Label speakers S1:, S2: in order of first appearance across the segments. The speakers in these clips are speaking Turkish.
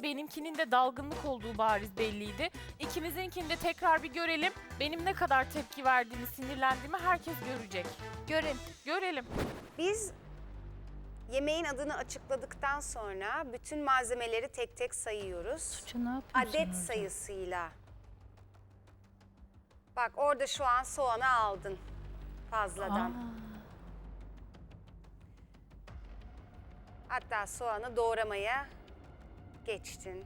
S1: benimkinin de dalgınlık olduğu bariz belliydi. İkimizinkini de tekrar bir görelim. Benim ne kadar tepki verdiğimi, sinirlendiğimi herkes görecek. Görelim.
S2: Biz yemeğin adını açıkladıktan sonra bütün malzemeleri tek tek sayıyoruz. Adet sayısıyla. Bak orada şu an soğanı aldın fazladan. Hatta soğanı doğramaya geçtin.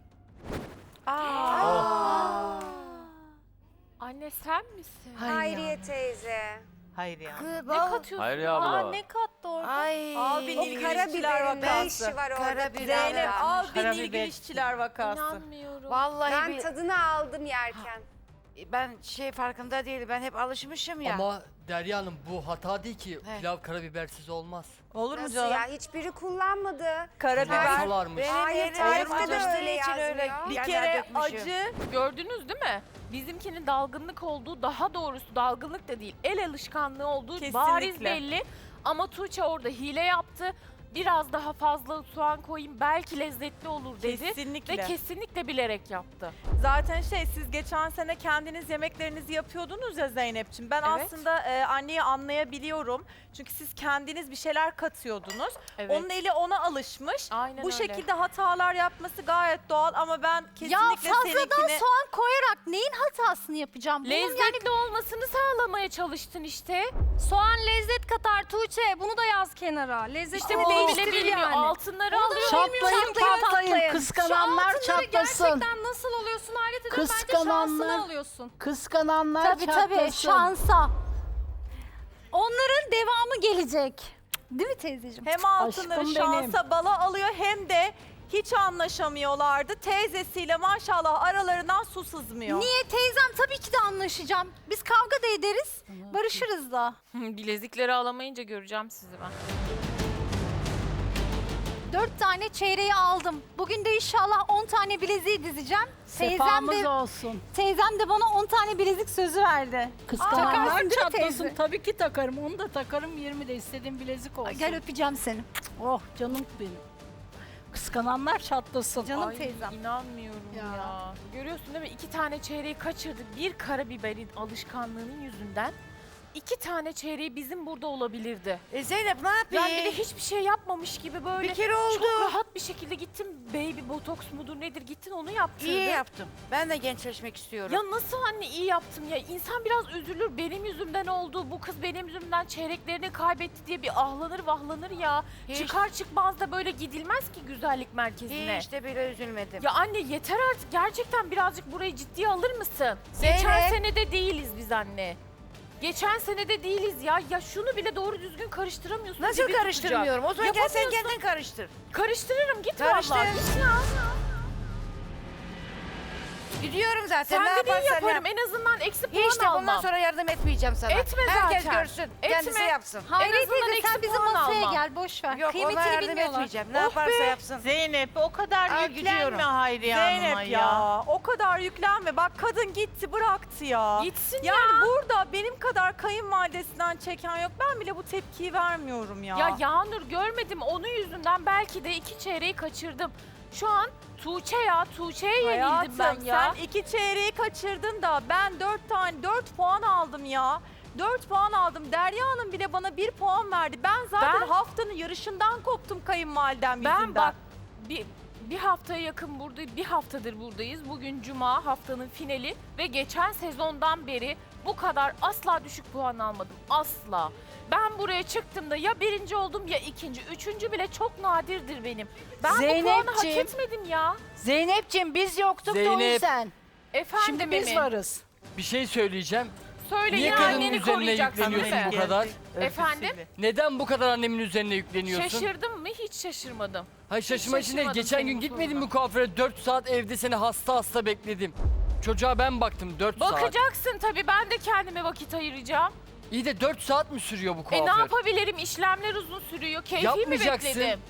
S1: Anne sen misin?
S2: Hayriye teyze.
S3: Hayır ya.
S1: Ne katıyorsun?
S4: Hayır abla.
S1: Ne kattı orada?
S5: Ay.
S3: Abinin
S2: O
S3: ilgili işçiler
S2: karabiberin ne
S3: vakası.
S2: işi var orada?
S5: Karabiber.
S3: Zeynep
S2: pilavda?
S3: abinin
S5: Karabiber.
S3: ilgili işçiler vakası.
S1: İnanmıyorum.
S5: Vallahi
S2: Ben tadını aldım yerken.
S5: ben farkında değilim. Ben hep alışmışım ya.
S6: Ama Derya Hanım bu hata değil ki.
S5: He.
S6: Pilav karabibersiz olmaz.
S3: Olur mu
S2: Nasıl
S3: canım?
S2: ya? Hiçbiri kullanmadı.
S3: Karabiber.
S6: Solarmış.
S2: Hayır,
S5: Hayır,
S2: tarifte de öyle yazmıyor.
S3: Bir kere acı.
S1: Gördünüz değil mi? Bizimkinin dalgınlık olduğu, daha doğrusu dalgınlık da değil, el alışkanlığı olduğu
S3: Kesinlikle.
S1: bariz belli. Ama Tuğçe orada hile yaptı. Biraz daha fazla soğan koyayım belki lezzetli olur dedi.
S3: Kesinlikle.
S1: Ve kesinlikle bilerek yaptı.
S3: Zaten siz geçen sene kendiniz yemeklerinizi yapıyordunuz ya Zeynep'ciğim. Ben
S1: Evet.
S3: aslında anneyi anlayabiliyorum. Çünkü siz kendiniz bir şeyler katıyordunuz.
S1: Evet.
S3: Onun eli ona alışmış.
S1: Aynen
S3: Bu
S1: öyle.
S3: şekilde hatalar yapması gayet doğal ama ben kesinlikle
S7: Ya fazladan
S3: seninkini...
S7: soğan koyarak neyin hatasını yapacağım? Bunun
S1: Lezzetli olmasını sağlamaya çalıştın işte.
S7: soğan lezzet katar Tuğçe. Bunu da yaz kenara. Lezzeti
S1: İşte bu bile bilmiyor. Altınları alıyor.
S7: Çatlayın patlayın.
S8: Kıskananlar çatlasın.
S7: Gerçekten nasıl oluyorsun hayret ediyorum. Bence şansını alıyorsun.
S8: Kıskananlar
S7: Tabii
S8: çatlasın.
S7: şansa. Onların devamı gelecek. Değil mi teyzeciğim?
S3: Hem altınları
S8: Aşkım
S3: şansa bala alıyor hem de hiç anlaşamıyorlardı. Teyzesiyle maşallah aralarından su sızmıyor.
S7: Niye teyzem tabii ki de anlaşacağım. Biz kavga da ederiz, barışırız da.
S1: Bilezikleri alamayınca göreceğim sizi ben.
S7: 4 tane çeyreği aldım. Bugün de inşallah 10 tane bileziği dizeceğim.
S8: Sefamız olsun.
S7: Teyzem de bana 10 tane bilezik sözü verdi.
S8: Kıskananlar
S7: Takarsın değil mi
S8: çatlasın.
S7: teyze?
S8: Tabii ki takarım. Onu da takarım 20 de istediğim bilezik olsun.
S7: Gel öpeceğim seni.
S8: Oh canım benim. Kıskananlar çatlasın.
S7: Canım
S1: Ay,
S7: teyzem.
S1: İnanmıyorum ya. Görüyorsun değil mi? 2 tane çeyreği kaçırdık. Bir karabiberin alışkanlığının yüzünden 2 tane çeyreği bizim burada olabilirdi.
S5: Zeynep ne yapayım?
S1: Ben bir de hiçbir şey yapmamış gibi böyle
S5: Bir kere oldu.
S1: çok rahat bir şekilde gittim. Baby botoks mudur nedir gittin onu yaptırdın.
S5: İyi yaptım. Ben de gençleşmek istiyorum.
S1: Ya nasıl anne iyi yaptım ya? İnsan biraz üzülür. Benim yüzümden oldu. Bu kız benim yüzümden çeyreklerini kaybetti diye bir ahlanır vahlanır ya.
S5: Hiç.
S1: Çıkar çıkmaz da böyle gidilmez ki güzellik merkezine.
S5: Hiç de bile üzülmedim.
S1: Ya anne yeter artık. Gerçekten birazcık burayı ciddiye alır mısın?
S5: Zeynep.
S1: Geçen sene de değiliz biz anne. Geçen sene de değiliz ya. Ya şunu bile doğru düzgün karıştıramıyorsun.
S5: Nasıl
S1: dibi
S5: karıştırmıyorum? O zaman gel sen
S1: Yapamıyorsun.
S5: kendin karıştır.
S1: tutacak. Karıştırırım git
S5: Karıştır.
S1: vallahi. Git ya.
S5: Gidiyorum zaten.
S1: Sen
S5: ne
S1: de iyi
S5: yaparsan
S1: yaparım.
S5: yap.
S1: En azından eksi puan
S5: Hiç de bundan
S1: almam.
S5: sonra yardım etmeyeceğim sana.
S1: Etme
S5: Herkes
S1: zaten.
S5: görsün.
S1: Etme.
S5: Kendisi yapsın.
S7: Hayır
S1: En azından
S7: teyze sen
S1: eksi
S7: bizim
S1: puan
S7: masaya
S1: almam.
S7: gel boş ver.
S5: Yok ona
S7: Kıymetini
S5: yardım
S7: bilmiyorlar.
S5: etmeyeceğim. Ne
S1: Oh
S5: yaparsa
S1: be.
S5: yapsın.
S3: Zeynep o kadar
S5: Aa,
S3: yüklenme
S5: gidiyorum.
S3: Hayriye Hanım'a
S1: Zeynep
S3: ya. O kadar yüklenme. Bak kadın gitti bıraktı ya.
S1: Gitsin
S3: Yani burada benim kadar kayınvalidesinden çeken yok. Ben bile bu tepkiyi vermiyorum ya.
S1: Ya Yağnur görmedim onun yüzünden belki de 2 çeyreği kaçırdım. Şu an Tuğçe'ye yenildim
S3: Hayatım
S1: ben ya.
S3: sen 2 çeyreği kaçırdın da ben 4 puan aldım ya. 4 puan aldım. Derya Hanım bile bana 1 puan verdi. Ben zaten
S1: Ben-
S3: haftanın yarışından koptum kayınvalidem yüzünden.
S1: Ben bak bir haftaya yakın bir haftadır buradayız. Bugün Cuma haftanın finali ve geçen sezondan beri bu kadar asla düşük puan almadım. Asla. Ben buraya çıktığımda ya birinci oldum ya ikinci. Üçüncü bile çok nadirdir benim. Ben bu puanı hak
S8: Zeynepciğim.
S1: etmedim ya.
S8: Zeynep'ciğim biz yoktuk da o
S6: Zeynep.
S8: yüzden.
S1: Efendim
S8: Şimdi biz
S1: Emin.
S8: varız.
S6: Bir şey söyleyeceğim.
S1: Söyle
S6: Niye
S1: yine
S6: kadının
S1: anneni
S6: üzerine
S1: koruyacaksın değil
S6: yükleniyorsun
S1: mi?
S6: bu kadar?
S1: Efendim?
S6: Neden bu kadar annemin üzerine yükleniyorsun?
S1: Şaşırdın mı? Hiç şaşırmadım.
S6: Hayır şaşırma için değil.
S1: şaşırmadım
S6: Geçen
S1: senin
S6: gün
S1: bu
S6: gitmedim
S1: soruna.
S6: mi kuaföre? 4 saat evde seni hasta bekledim. Çocuğa ben baktım 4 saat.
S1: Bakacaksın tabii ben de kendime vakit ayıracağım.
S6: İyi de 4 saat mi sürüyor bu kuaför?
S1: Ne yapabilirim? İşlemler uzun sürüyor. Keyfi mi
S6: Yapmayacaksın.
S1: bekledim?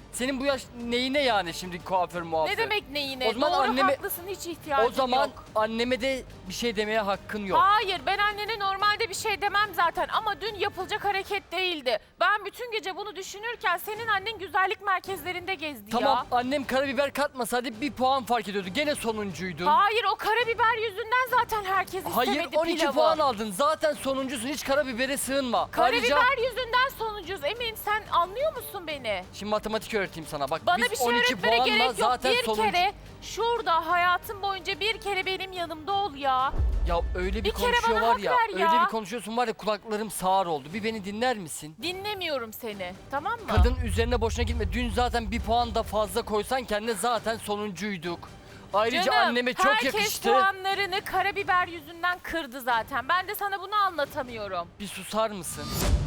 S6: Senin bu yaş neyine yani şimdi kuaför muaför?
S1: Ne demek neyine?
S6: O zaman
S1: Doğru
S6: anneme-
S1: haklısın, hiç ihtiyacım
S6: O zaman
S1: yok.
S6: anneme de bir şey demeye hakkın yok.
S1: Hayır, ben annene normalde bir şey demem zaten ama dün yapılacak hareket değildi. Ben bütün gece bunu düşünürken senin annen güzellik merkezlerinde gezdi
S6: Tamam
S1: ya.
S6: annem karabiber katmasaydı bir puan fark ediyordu. Gene sonuncuydun.
S1: Hayır, o karabiber yüzünden zaten herkes istemedi
S6: Hayır 12
S1: pilavı.
S6: puan aldın. Zaten sonuncusun. Hiç karabibere sığınma.
S1: Karabiber
S6: Ayrıca
S1: yüzünden sonuncuz. Emin, sen anlıyor musun beni?
S6: şimdi matematik öğreteyim sana. Bak
S1: Bana
S6: biz
S1: bir şey
S6: 12
S1: öğretmene
S6: puanla
S1: gerek yok.
S6: zaten
S1: Bir
S6: sonuncu.
S1: kere şurada hayatım boyunca bir kere benim yanımda ol ya.
S6: Ya öyle bir
S1: Bir kere
S6: konuşuyor
S1: bana
S6: var
S1: hak
S6: ya.
S1: ver ya.
S6: Öyle bir konuşuyorsun var ya kulaklarım sağır oldu. Bir beni dinler misin?
S1: Dinlemiyorum seni, tamam mı?
S6: Kadın üzerine boşuna gitme. Dün zaten bir puan da fazla koysan kendine zaten sonuncuyduk. Ayrıca
S1: Canım,
S6: anneme çok
S1: herkes
S6: yakıştı.
S1: puanlarını karabiber yüzünden kırdı zaten. Ben de sana bunu anlatamıyorum.
S6: Bir susar mısın?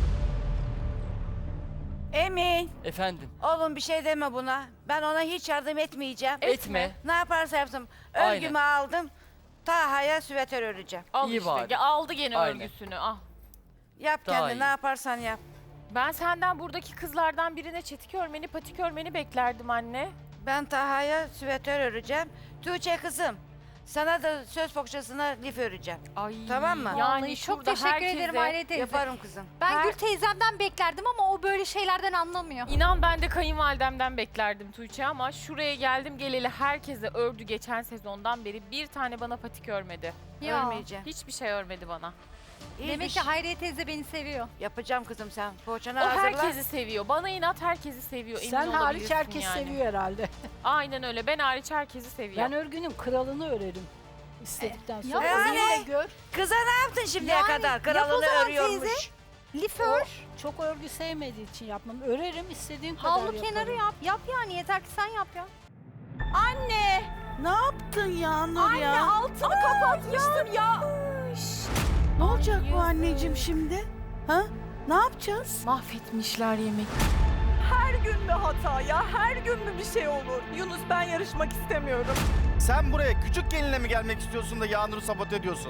S5: Emin.
S6: Efendim.
S5: Oğlum bir şey deme buna. Ben ona hiç yardım etmeyeceğim.
S6: Etme.
S5: Ne yaparsa yapsın.
S6: Aynen.
S5: Örgümü aldım. Taha'ya süveter öreceğim.
S1: Al
S6: İyi
S1: işte,
S6: bari.
S1: aldı gene
S6: Aynen.
S1: örgüsünü. Al.
S5: Yap
S6: Daha
S5: kendin
S6: iyi.
S5: ne yaparsan yap.
S1: Ben senden buradaki kızlardan birine çetik örmeni, patik örmeni beklerdim anne.
S5: Ben Taha'ya süveter öreceğim. Tuğçe kızım. Sana da söz bohçasına lif öreceğim.
S1: Ay.
S5: Tamam mı?
S1: Yani
S7: Vallahi çok
S1: şurada
S7: teşekkür
S1: herkese-
S7: ederim Hayriye teyze.
S5: Yaparım kızım.
S7: Ben
S1: Her-
S7: Gül teyzemden beklerdim ama o böyle şeylerden anlamıyor.
S1: İnan ben de kayınvalidemden beklerdim Tuğçe ama şuraya geldim geleli herkese ördü geçen sezondan beri, bir tane bana patik örmedi.
S7: Ya.
S5: Örmeyeceğim.
S1: Hiçbir şey örmedi bana.
S7: Demek ki Hayriye teyze beni seviyor.
S5: Yapacağım kızım sen. Poğaçanı
S1: O
S5: hazırla.
S1: herkesi seviyor. Bana inat herkesi seviyor. Emin
S8: Sen hariç
S1: olabilirsin
S8: herkes
S1: yani.
S8: seviyor herhalde.
S1: Aynen öyle. Ben hariç herkesi seviyor.
S8: Ben örgünün kralını örerim. İstedikten
S7: Ya
S8: sonra.
S5: yani-
S8: Örgüyle gör.
S5: Kıza ne yaptın şimdiye
S7: Yani
S5: kadar?
S7: yap o
S5: Kralını
S7: zaman
S5: örüyormuş.
S7: teyze. Lif
S8: O
S7: ör,
S8: çok örgü sevmediği için yapmam. Örerim istediğim kadar
S7: havlu
S8: yaparım.
S7: kenarı yap. Yap yani, yeter ki sen yap ya.
S3: Anne!
S4: Ne yaptın ya Nur
S3: Anne
S4: ya?
S3: altını kapatmıştım ya.
S4: Ne olacak bu
S1: yazık.
S4: anneciğim şimdi? Ha? Ne yapacağız?
S1: Mahvetmişler yemek.
S3: Her gün mü hata ya? Her gün mü bir şey olur? Yunus, ben yarışmak istemiyorum.
S9: Sen buraya küçük gelinle mi gelmek istiyorsun da Yağnur'u sabote ediyorsun?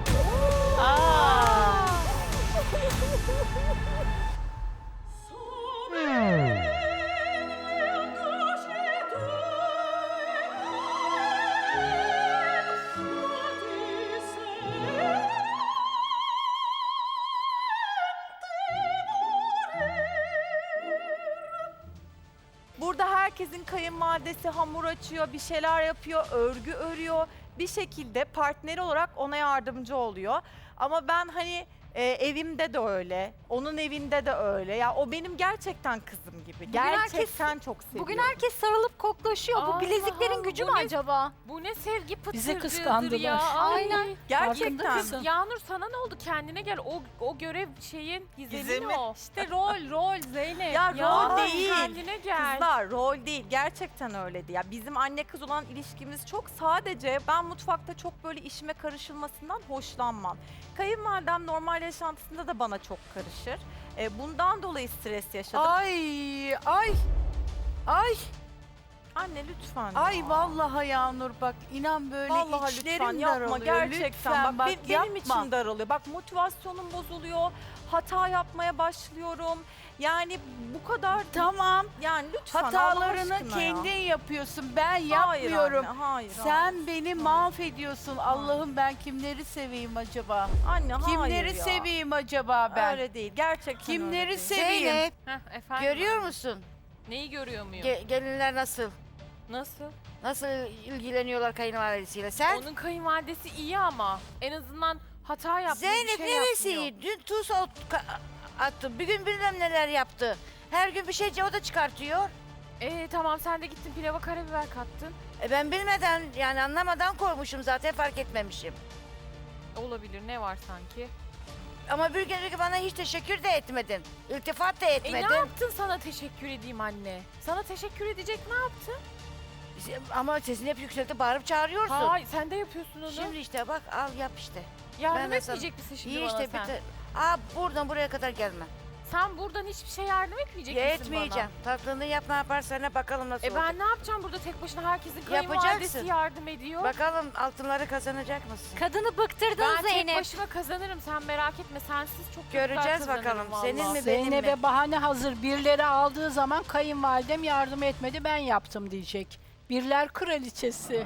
S3: Burada herkesin kayınvalidesi hamur açıyor, bir şeyler yapıyor, örgü örüyor. Bir şekilde partneri olarak ona yardımcı oluyor. Ama ben hani evimde de öyle, onun evinde de öyle. Ya o benim gerçekten kızım gibi. Gerçekten çok seviyorum.
S7: Bugün herkes sarılıp koklaşıyor.
S1: Allah
S7: Bu bileziklerin gücü mü
S1: bu ne-
S7: acaba?
S1: Bu ne sevgi pıtırcığıdır
S8: Bizi kıskandılar.
S1: ya. Ay.
S7: Aynen.
S3: Gerçekten.
S8: Farkında mısın?
S1: Yağnur sana ne oldu? Kendine gel. O görev şeyin gizemi o.
S3: İşte rol Zeynep. Ya
S1: Ya
S3: rol değil.
S1: kendine gel.
S3: Kızlar rol değil. Gerçekten öyleydi. Ya bizim anne kız olan ilişkimiz çok, sadece ben mutfakta çok böyle işime karışılmasından hoşlanmam. Kayınvalidem normal yaşantısında da bana çok karışır. Bundan dolayı stres yaşadım.
S4: Ay, ay,
S3: Anne lütfen.
S4: ay
S3: ya.
S4: vallahi Yağnur bak inan böyle
S3: Vallahi
S4: içlerim
S3: lütfen yapma
S4: daralıyor.
S3: gerçekten.
S4: Lütfen bak,
S3: benim
S4: yapma.
S3: için daralıyor. Bak motivasyonum bozuluyor. Hata yapmaya başlıyorum. Yani bu kadar
S4: Tamam,
S3: yani lütfen Allah
S4: hatalarını
S3: aşkına ya.
S4: kendin yapıyorsun. Ben
S3: Hayır
S4: yapmıyorum.
S3: anne, hayır.
S4: Sen beni mahvediyorsun. Allah'ım ben kimleri seveyim acaba?
S3: Anne hayır
S4: Kimleri
S3: ya.
S4: seveyim acaba ben?
S3: Öyle değil. Gerçekten
S4: Kimleri
S3: öyle değil.
S4: seveyim?
S5: Zeynep
S1: Heh, efendim.
S5: görüyor musun?
S1: Neyi görüyor muyum?
S5: Gelinler nasıl?
S1: Nasıl?
S5: Nasıl ilgileniyorlar kayınvalidesiyle? Sen?
S1: Onun kayınvalidesi iyi ama en azından hata yapmıyor,
S5: Zeynep
S1: bir şey
S5: neresi
S1: yapmıyor.
S5: iyi? Dün tuz attı. Bir gün bilmem neler yaptı. Her gün bir şey o da çıkartıyor.
S1: Tamam, sen de gittin pilava karabiber kattın.
S5: Ben bilmeden yani anlamadan koymuşum zaten fark etmemişim.
S1: Olabilir, ne var sanki?
S5: Ama bir gün bana hiç teşekkür de etmedin. İltifat da
S1: Ne
S5: etmedin.
S1: yaptın sana teşekkür edeyim anne? Sana teşekkür edecek ne yaptın?
S5: Ama sesini hep yükseltip bağırıp çağırıyorsun.
S1: Hayır, sen de yapıyorsun onu.
S5: Şimdi işte bak al yap işte.
S1: Yardım
S5: ben de sana-
S1: etmeyecek misin şimdi
S5: İyi
S1: bana
S5: işte
S1: sen?
S5: buradan buraya kadar gelme.
S1: Sen buradan hiçbir şey yardım etmeyecek misin
S5: Yetmeyeceğim. Tatlını yap, ne yaparsan bakalım nasıl
S1: bana?
S5: olacak.
S1: Ben ne yapacağım burada tek başına herkesin
S5: Yapacaksın.
S1: kayınvalidesi yardım ediyor.
S5: Bakalım altınları kazanacak mısın?
S7: Kadını bıktırdın
S1: ben tek
S7: Zeynep.
S1: başıma kazanırım sen merak etme. Sensiz çok
S5: Göreceğiz
S1: güzel kazanırım
S5: bakalım.
S1: vallahi.
S5: Senin mi benim mi?
S8: Zeynep'e bahane hazır. Birleri aldığı zaman kayınvalidem yardım etmedi, ben yaptım diyecek. Birler kraliçesi.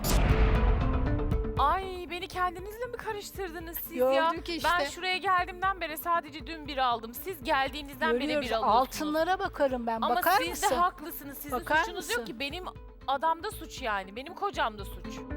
S1: Ay beni kendinizle mi karıştırdınız siz
S8: Gördük
S1: ya?
S8: işte.
S1: Ben şuraya geldiğimden beri sadece dün bir aldım. Siz geldiğinizden beri bir
S8: Görüyoruz.
S1: alıyorsunuz.
S8: Altınlara bakarım ben.
S1: Ama
S8: Bakar
S1: siz
S8: mısın?
S1: de haklısınız. Sizin
S8: Bakar
S1: suçunuz
S8: mısın?
S1: yok ki. Benim adamda suç yani. Benim kocamda suç.